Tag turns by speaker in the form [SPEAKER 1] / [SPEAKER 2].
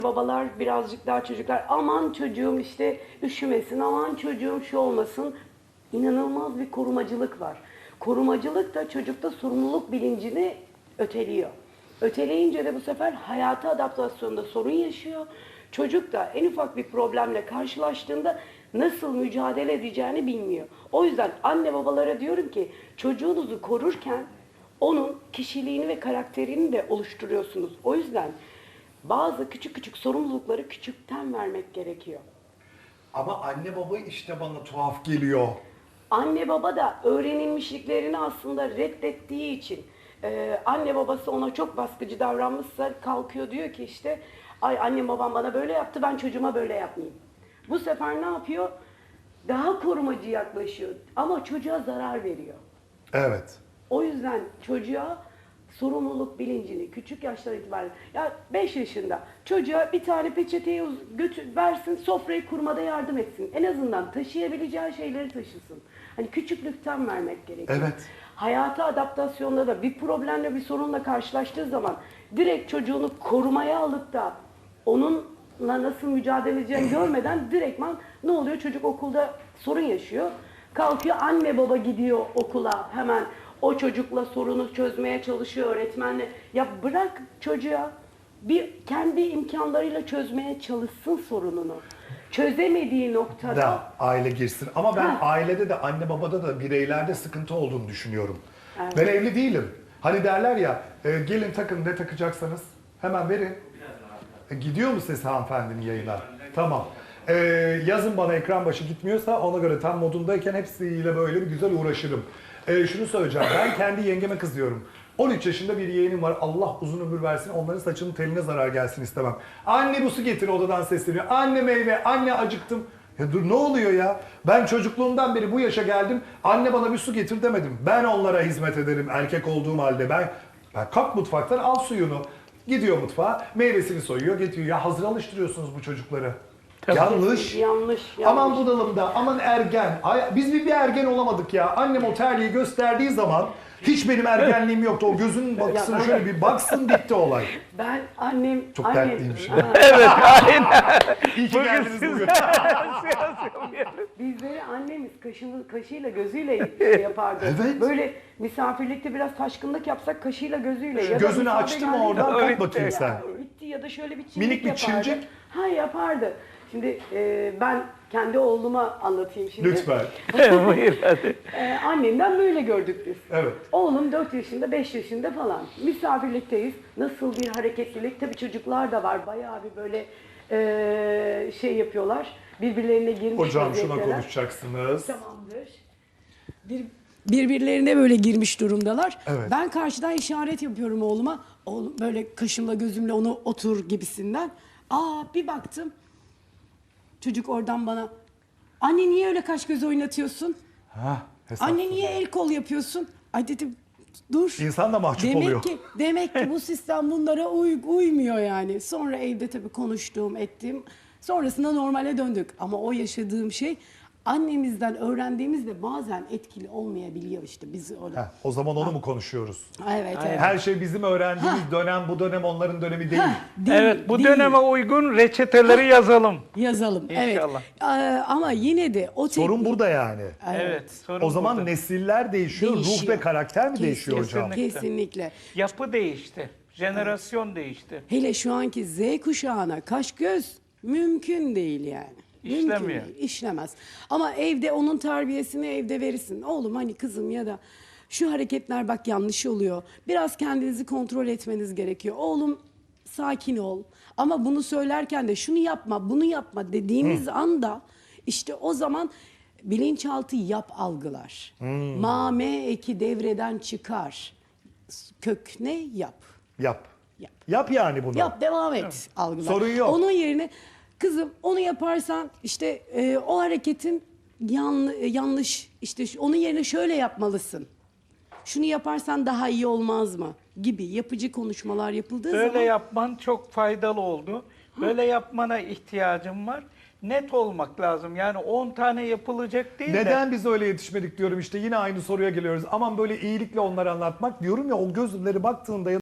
[SPEAKER 1] Babalar birazcık daha çocuklar aman çocuğum işte üşümesin, aman çocuğum şu olmasın. İnanılmaz bir korumacılık var. Korumacılık da çocukta sorumluluk bilincini öteliyor. Öteleyince de bu sefer hayata adaptasyonda sorun yaşıyor. Çocuk da en ufak bir problemle karşılaştığında nasıl mücadele edeceğini bilmiyor. O yüzden anne babalara diyorum ki çocuğunuzu korurken onun kişiliğini ve karakterini de oluşturuyorsunuz. O yüzden bazı küçük küçük sorumlulukları küçükten vermek gerekiyor.
[SPEAKER 2] Ama anne baba işte bana tuhaf geliyor.
[SPEAKER 1] Anne baba da öğrenilmişliklerini aslında reddettiği için anne babası ona çok baskıcı davranmışsa kalkıyor diyor ki işte ay annem babam bana böyle yaptı ben çocuğuma böyle yapmayayım. Bu sefer ne yapıyor? Daha korumacı yaklaşıyor ama çocuğa zarar veriyor.
[SPEAKER 2] Evet.
[SPEAKER 1] O yüzden çocuğa sorumluluk bilincini küçük yaştan itibaren ya 5 yaşında çocuğa bir tane peçeteyi versin sofrayı kurmada yardım etsin. En azından taşıyabileceği şeyleri taşısın. Hani küçüklükten vermek gerekiyor.
[SPEAKER 2] Evet.
[SPEAKER 1] Hayata adaptasyonda da bir problemle bir sorunla karşılaştığı zaman direkt çocuğunu korumaya alıp da onunla nasıl mücadele edeceğini görmeden direktman ne oluyor? Çocuk okulda sorun yaşıyor. Kalkıyor anne baba gidiyor okula hemen o çocukla sorunu çözmeye çalışıyor öğretmenle. Ya bırak çocuğa bir kendi imkanlarıyla çözmeye çalışsın sorununu. Çözemediği noktada
[SPEAKER 2] Da aile girsin. Ama ben
[SPEAKER 1] Ha.
[SPEAKER 2] ailede de anne babada da bireylerde sıkıntı olduğunu düşünüyorum.
[SPEAKER 1] Evet.
[SPEAKER 2] Ben evli değilim. Hani derler ya gelin takın ne takacaksanız hemen verin. Gidiyor mu ses hanımefendinin yayına? Tamam. Yazın bana ekran başı gitmiyorsa ona göre tam modundayken hepsiyle böyle bir güzel uğraşırım. Şunu söyleyeceğim. Ben kendi yengeme kızıyorum. 13 yaşında bir yeğenim var. Allah uzun ömür versin. Onların saçının teline zarar gelsin istemem. Anne bu su getir odadan sesleniyor. Anne meyve, anne acıktım. Ya dur ne oluyor ya? Ben çocukluğumdan beri bu yaşa geldim. Anne bana bir su getir demedim. Ben onlara hizmet ederim erkek olduğum halde. Ben kalk mutfaktan al suyunu. Gidiyor mutfağa, meyvesini soyuyor, getiriyor. Ya hazır alıştırıyorsunuz bu çocukları. Yanlış.
[SPEAKER 1] yanlış.
[SPEAKER 2] Aman bunalımda, aman ergen. Biz bir ergen olamadık ya. Annem o terliği gösterdiği zaman hiç benim ergenliğim yoktu. O gözünün baksın
[SPEAKER 1] Ya,
[SPEAKER 2] şöyle bir baksın bitti olay.
[SPEAKER 1] Ben annem...
[SPEAKER 2] Çok dertliymiş.
[SPEAKER 3] Evet, aynen.
[SPEAKER 2] İyi ki geldiniz bugün.
[SPEAKER 1] Bizleri annemiz kaşıyla gözüyle şey yapardı.
[SPEAKER 2] Evet.
[SPEAKER 1] Böyle misafirlikte biraz taşkınlık yapsak kaşıyla gözüyle. Ya da
[SPEAKER 2] Gözünü
[SPEAKER 1] misafir
[SPEAKER 2] açtı mı
[SPEAKER 1] geldiği
[SPEAKER 2] oradan
[SPEAKER 1] zaman-
[SPEAKER 2] kalk bakayım
[SPEAKER 1] Ya,
[SPEAKER 2] sen.
[SPEAKER 1] bitti ya da şöyle bir çimdik
[SPEAKER 2] Minik bir
[SPEAKER 1] yapardı.
[SPEAKER 2] çimcik.
[SPEAKER 1] Ha yapardı. Şimdi ben kendi oğluma anlatayım şimdi.
[SPEAKER 2] Lütfen.
[SPEAKER 3] Buyur hadi.
[SPEAKER 1] Annemden böyle gördük biz.
[SPEAKER 2] Evet.
[SPEAKER 1] Oğlum 4 yaşında, 5 yaşında falan. Misafirlikteyiz. Nasıl bir hareketlilik. Tabii çocuklar da var. Bayağı bir böyle şey yapıyorlar. Birbirlerine girmiş
[SPEAKER 2] Hocam şuna
[SPEAKER 1] vaziyetteler.
[SPEAKER 2] konuşacaksınız.
[SPEAKER 1] Tamamdır. Birbirlerine böyle girmiş durumdalar.
[SPEAKER 2] Evet.
[SPEAKER 1] Ben karşıdan işaret yapıyorum oğluma. Oğlum böyle kaşımla gözümle onu otur gibisinden. Bir baktım. Çocuk oradan bana anne niye öyle kaş göz oynatıyorsun?
[SPEAKER 2] Hesap.
[SPEAKER 1] Anne niye el kol yapıyorsun? Ay dedim dur.
[SPEAKER 2] İnsan da mahcup oluyor.
[SPEAKER 1] Demek ki bu sistem bunlara uymuyor yani. Sonra evde tabii konuştuğum, ettiğim. Sonrasında normale döndük. Ama o yaşadığım şey annemizden öğrendiğimizde bazen etkili olmayabiliyor işte biz orada.
[SPEAKER 2] O zaman onu mu konuşuyoruz?
[SPEAKER 1] Evet, evet.
[SPEAKER 2] Her şey bizim öğrendiğimiz dönem bu dönem onların dönemi değil.
[SPEAKER 1] Değil,
[SPEAKER 3] Evet, bu
[SPEAKER 1] değil.
[SPEAKER 3] döneme uygun reçeteleri yazalım.
[SPEAKER 1] Yazalım.
[SPEAKER 3] İnşallah.
[SPEAKER 1] Evet. Ama yine de o teknik...
[SPEAKER 2] Sorun burada yani.
[SPEAKER 3] Evet, sorun
[SPEAKER 2] O zaman
[SPEAKER 3] burada.
[SPEAKER 2] nesiller değişiyor, ruh
[SPEAKER 1] Değişiyor.
[SPEAKER 2] ve karakter mi değişiyor hocam?
[SPEAKER 3] Kesinlikle.
[SPEAKER 1] Kesinlikle.
[SPEAKER 3] Yapı değişti. Jenerasyon değişti.
[SPEAKER 1] Hele şu anki Z kuşağına kaş göz mümkün değil yani. Mümkün
[SPEAKER 3] İşlemiyor.
[SPEAKER 1] değil, işlemez. Ama evde onun terbiyesini evde verirsin. Oğlum hani kızım ya da şu hareketler bak yanlış oluyor. Biraz kendinizi kontrol etmeniz gerekiyor. Oğlum sakin ol. Ama bunu söylerken de şunu yapma, bunu yapma dediğimiz anda işte o zaman bilinçaltı yap algılar. Ma, me eki devreden çıkar. Kök ne? Yap.
[SPEAKER 2] Yap.
[SPEAKER 1] Yap.
[SPEAKER 2] Yap yani bunu.
[SPEAKER 1] Yap devam et algılar.
[SPEAKER 2] Sorun yok.
[SPEAKER 1] Onun yerine kızım onu yaparsan işte o hareketin yanlış işte onun yerine şöyle yapmalısın. Şunu yaparsan daha iyi olmaz mı? Gibi yapıcı konuşmalar yapıldığı
[SPEAKER 3] Böyle
[SPEAKER 1] zaman
[SPEAKER 3] yapman çok faydalı oldu. Böyle yapmana ihtiyacım var. Net olmak lazım. Yani 10 tane yapılacak değil de.
[SPEAKER 2] Neden biz öyle yetişmedik diyorum işte yine aynı soruya geliyoruz. Aman böyle iyilikle onları anlatmak diyorum ya o gözleri baktığında